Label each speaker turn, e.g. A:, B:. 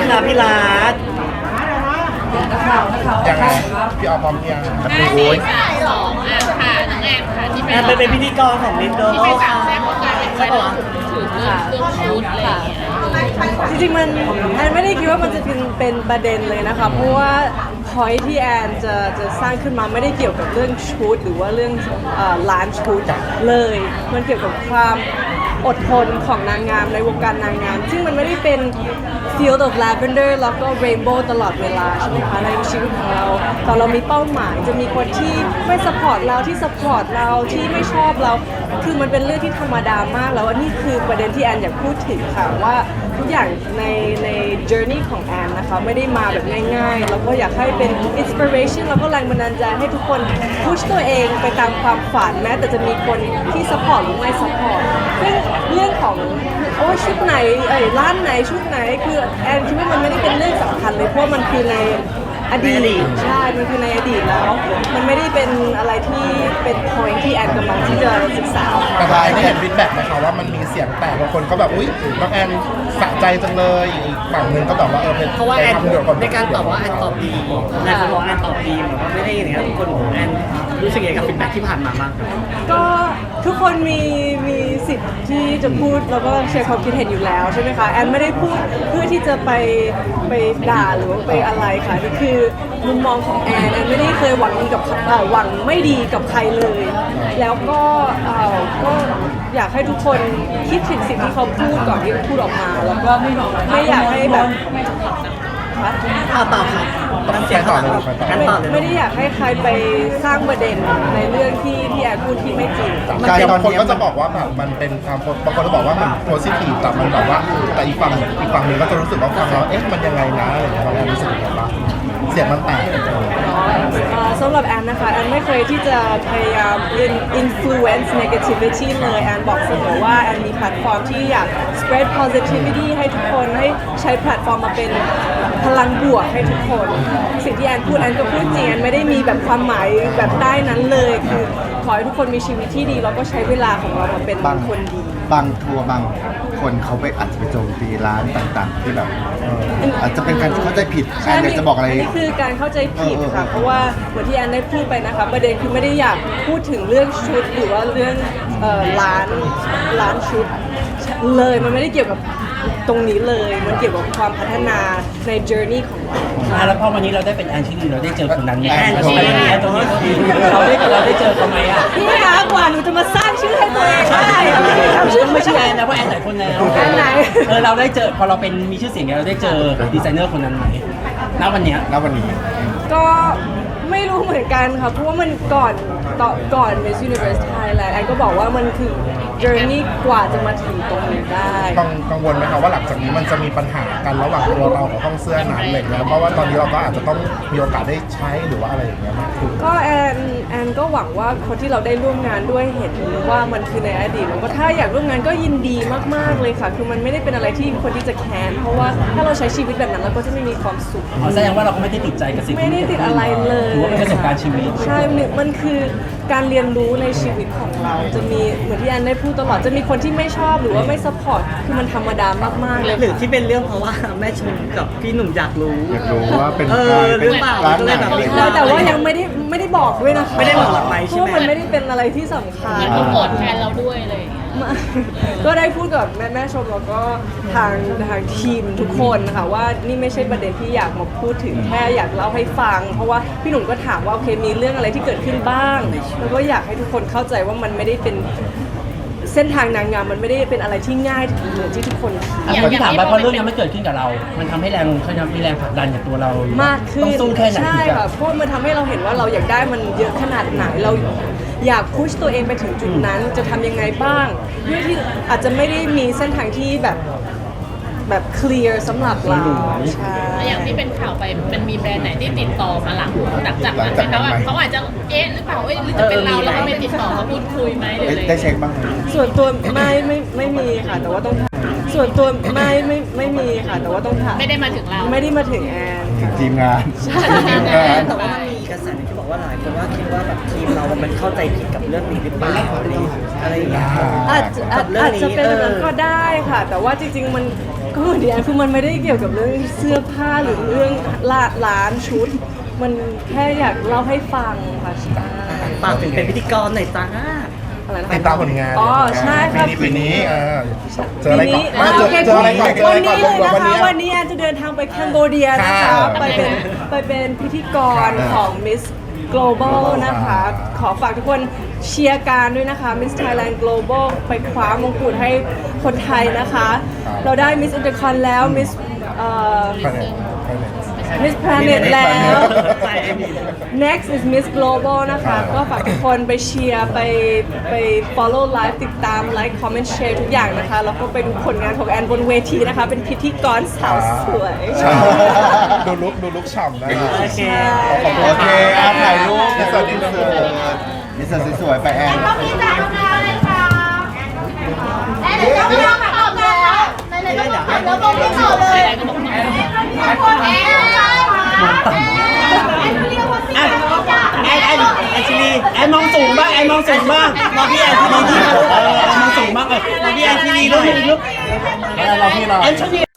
A: คะพี่รัฐ
B: ยังไงพี่ออพร้อมเพียง
C: 5 4 3 2ค่ะน้องแอนค่ะที่
A: แอนเป็นพิธีกรของลินโด
C: ที่ไปสามแซ่บการเป็นคนถือเรื่องชุดอะไรอย่างเงี้ย
D: จริงๆมันแอนไม่ได้คิดว่ามันจะเป็นประเด็นเลยนะคะเพราะว่าพอยที่แอนจะสร้างขึ้นมาไม่ได้เกี่ยวกับเรื่องชุดหรือว่าเรื่องร้านชุดเลยมันเกี่ยวกับความอดทนของนางงามในวงการนางงามซึ่งมันไม่ได้เป็น field of lavender แล้วก็ rainbow ตลอดเวลาใช่ไหมคะในชีวิตของเราตอนเรามีเป้าหมายจะมีคนที่ไม่ support เราที่ support เราที่ไม่ชอบเราคือมันเป็นเรื่องที่ธรรมดามากแล้วอันนี้คือประเด็นที่แอนอยากพูดถึงค่ะว่าทุกอย่างใน journey ของแอนนะคะไม่ได้มาแบบง่ายๆแล้วก็อยากให้เป็น inspiration แล้วก็แรงบันดาลใจให้ทุกคน push ตัวเองไปตามความฝันแม้แต่จะมีคนที่ support หรือไม่ support ซึ่งเรื่องของโอ้ชุดไหนร้านไหนชุดไหนคือแอนคิดว่ามันไม่ได้เป็นเรื่องสำคัญเลยเพราะมันคือในอดีตใช่มันคือในอดีตแล้วมันไม่ได้เป็นอะไรที่เป็น point ที่แอนกำลังที่จะศึกษา
B: แต่ท้ายได้เห็นฟีดแบ็กไหมคะว่ามันมีเสียงแตกบางคนก็แบบอุ๊ยน้องแอนสะใจจังเลยอีกฝั่งหนึ่งก็แบบว่าเป็น
A: เพราะว่าแอน
B: ทำเดือดคน
A: ในการตอบว่าแอนตอบดีนายเขาบอกแอนตอบดีเหมือนว่าไม่ได้อย่างเงี้ยทุกคนบอกแอนรู้สึกยังไงกับฟีดแบ็กที่ผ่านมาบ้าง
D: ก็ทุกคนมีสิทธิ์ที่จะพูดแล้วก็แชร์ความคิดเห็นอยู่แล้วใช่ไหมคะแอนไม่ได้พูดเพื่อที่จะไปด่าหรือว่าไปอะไรค่ะนี่คือมุมมองของแอนไม่ได้เคยหวังดีกับหวังไม่ดีกับใครเลย แล้วก็อยากให้ทุกคนคิดถึงสิ่งที่เขาพูดก่อนที่จะพูดออกมา แล้วก็ไม่อยากให้แบบคะ
A: ตอบครับ
B: ไปต่อเลยไปต่อ
A: แอนตอบเลย
D: ไม่ได้อยากให้ใครไปสร้างประเด็นในเรื่องที่แอนพูดที่ไม่จริง
B: การบางคนก็จะบอกว่าแบบมันเป็นความบางคนก็บอกว่ามันโพสิทีฟแต่มันแบบว่าแต่อีกฝั่งหนึงก็จะรู้สึกว่าฟังแล้วเอ๊ะมันยังไงนะอะไรอย่างเงี้ยเราแอนรู้สึกยังไงบ้างเสียงมันแตก
D: สำหรับแอนนะคะแอนไม่เคยที่จะพยายาม influence negativity เลยแอนบอกเสมอว่าแอนมีแพลตฟอร์มที่อยาก spread positivity ให้ทุกคนให้ใช้แพลตฟอร์มมาเป็นพลังบวกให้ทุกคน สิ่งที่แอนพูดแอนก็พูดจริงแอนไม่ได้มีแบบความหมายแบบใต้นั้นเลยคือขอให้ทุกคนมีชีวิตที่ดีแล้วก็ใช้เวลาของเรามาเป็นคนดี
E: บางทัวร์บางคนเขาไปอาจจะไปโจมตีร้านต่างๆ ที่แบบอาจจะเป็นการเข้าใจผิดแอนอยากจะบอกอะไร
D: นนี้คือการเข้าใจผิดค่ะ เพราะว่าเหมือนที่แอนได้พูดไปนะคะประเด็นคือไม่ได้อยากพูดถึงเรื่องชุดหรือว่าเรื่องร้านชุดเลยมันไม่ได้เกี่ยวกับตรงนี้เลย มันเกี่ยวกับความพัฒนาใน journey ของเรา
A: แล้วพอวันนี้เราได้เป็นแอนชิลีเราได้เจอคนนั้นไหม
E: แอนชิลี
A: แอนตรงนี้เราได้เจอเขาไหมอ่ะ
D: พี่คะกว่าหนูจะมาสร้างชื่อให้ตัวเองได้ทำชื่อ
A: ไม่ใช่แอนนะเพราะแอนหลายคนแล้ว
D: แอนไหน
A: เราได้เจอพอเราเป็นมีชื่อเสียงเราได้เจอดีไซเนอร์คนนั้นไหมณวันเนี้ย
E: ณวันนี้
D: ก็ไม่รู้เหมือนกันค่ะเพราะว่ามันก่อน Miss Universe Thailand แอนก็บอกว่ามันคือ journey กว่าจะมาถึงตรงนี้ได้
B: กังวลไหมคะว่าหลังจากนี้มันจะมีปัญหากันระหว่างตัวเรากับห้องเสื้อนั้นอะไรอย่างเงี้ยเพราะว่าตอนนี้เราก็อาจจะต้องมีโอกาสได้ใช้หรือว่าอะไรอย่างเงี้ยมากขึ้น
D: ก็แอนก็หวังว่าคนที่เราได้ร่วมงานด้วยเห็นว่ามันคือในอดีตแล้วก็ถ้าอยากร่วมงานก็ยินดีมากๆเลยค่ะคือมันไม่ได้เป็นอะไรที่คนที่จะแค้นเพราะว่าถ้าเราใช้ชีวิตแบบนั้นเราก็จะไม่มีความสุข
A: แสดงว่าเราก็ไม่ได้ติดใจกับสิ่ง
D: ไม่ได้ติดอะไรเลย
A: ถือว่าเป็นประสบการณ์ชีวิต
D: ใช่มันคือการเรียนรู้ในชีวิตของเรา จะมีเหมือนที่แอนได้พูดตลอด จะมีคนที่ไม่ชอบหรือว่าไม่ซัพพอร์ต คือมันธรรมดามากๆเลย
A: หรือที่เป็นเรื่องเพราะว่าแม่ชมกับพี่หนุ่มอยากรู้
E: อยากรู้ว่าเป็น
A: หรือเปล่า
E: ร้าน
A: ก็
E: ไห
A: เลย
E: น
A: แบบมี
D: แต่ว่ายังไม่ได้บอกด้วยนะคะ
A: ไม่ได้บอกหลังไมค์ใช่ไหม
D: เพราะว่ามันไม่ได้เป็นอะไรที่สำคัญ
C: มันก็โกรธแทนเราด้วยเลย
D: ก็ได้พูดกับแม่ชมแล้วก็ทางทีมทุกคนนะคะว่านี่ไม่ใช่ประเด็นที่อยากมาพูดถึงแค่อยากเล่าให้ฟัง เพราะว่าพี่หนุ่มก็ถามว่าโอเคมีเรื่องอะไรที่เกิดขึ้นบ้าง แล้วก็อยากให้ทุกคนเข้าใจว่ามันไม่ได้เป็นเส้นทางนางงามมันไม่ได้เป็นอะไรที่ง่ายเหมือนที่ทุกคนคิด
A: ที่ถามไปเพราะเรื่องนี้มันเกิดขึ้นกับเรา มันทำให้แรงมีแรงผลักดันกับตัวเรา
D: มากขึ้น
A: ต้องสู้แค่ไหน
D: ใช่
A: ถึงจะ
D: ค่ะเพราะมันทำให้เราเห็นว่าเราอยากได้มันเยอะขนาดไหนเราอยากพุชตัวเองไปถึงจุดนั้นจะทำยังไงบ้างเพื่อที่อาจจะไม่ได้มีเส้นทางที่แบบเคลียร์สำหรับเราใช่
C: อย่างที่เป็นข่าวไปมันมีแบรนด์ไหนที่ติดต่อมาหลังจากนั้นไหมคะว่าเขาอาจจะหรือเปล่าหรือจะเป็นเราแล้วก็ไม่ติดต่อมาพูดคุยไหมหรืออะไร
E: ได้เช็คบ้างไหม
D: ส่วนตัวไม่มีค่ะแต่ว่าต้องถามส่วนตัวไม่มีค่ะแต่ว่าต้องถาม
C: ไม่ได้มาถึงเรา
D: ไม่ได้มาถึงแอนค่ะ
E: ทีมงาน
C: ทีมงาน
A: แต่ว่ามันมีกระแสที่บอกว่าหลายคนว่าคิดว่าแบบทีมเรามันเข้าใจผิดกับเรื่องนี้หรือเปล่าอะไรอย่างเงี้ย
D: อาจจะเป็นแบบนั้นก็ได้ค่ะ แต่ว่าจริงๆมันก็เหมือนที่แอนคือมันไม่ได้เกี่ยวกับเรื่องเสื้อผ้าหรือเรื่องร้านชุด มันแค่อยากเล่าให้ฟังค่ะใช่
A: ฝากถึงเป็นพิธีกรหน่อยจ้า
D: อะไรนะ
B: ติดตามผลงาน
D: อ๋อใช่ครับ
B: ปีนี้เจออะไรก่อน
D: ปีนี้
B: เจออะไรก่อนเจอ
D: วั
B: อะไร
D: น
B: ก่อ
D: นี้
B: น
D: เลยนะคะ
B: วันนี้
D: วันนี้แอนจะเดินทางไปแคนโบเดียนะคะ
B: ค่ะ
D: ไปเป็นพิธีกรของ Miss Global นะคะ ขอฝากทุกคนเชียร์การด้วยนะคะ Miss Thailand Global ไปคว้ามงกุฎให้คนไทยนะคะ เราได้ Miss Intercon แล้ว Miss Miss Planet แล้ว Next is Miss Global นะคะ ก็ฝากทุกคนไปเชียร์ไป follow live ติดตาม like comment share ทุกอย่างนะคะ แล้วก็ไปดูผลงานของแอนบนเวทีนะคะ เป็นพิธีกรสาวสวย
B: ใช่ดูลุกฉ่ำนะ
A: โอเค
E: โอเคถ่ายรูป
B: สวัสดีครับ
E: นิสสวยๆไปแอน
F: ก็มีจ่ายทำงานเลยค่ะแอนเดี๋ยวต้องลองตอบเลยค่ะไหนๆก็บอกแล้วบอกไม่ตอบเลยแอนก็บอกแอน
A: แอนชิลีแอนมองสูงบ้างแอนมองสูงบ้างมองพี่แอนชิลีที่มองสูงบ้างมองพี่แอนชิลีลูก
B: เราพี่เรา
A: แอนชิลี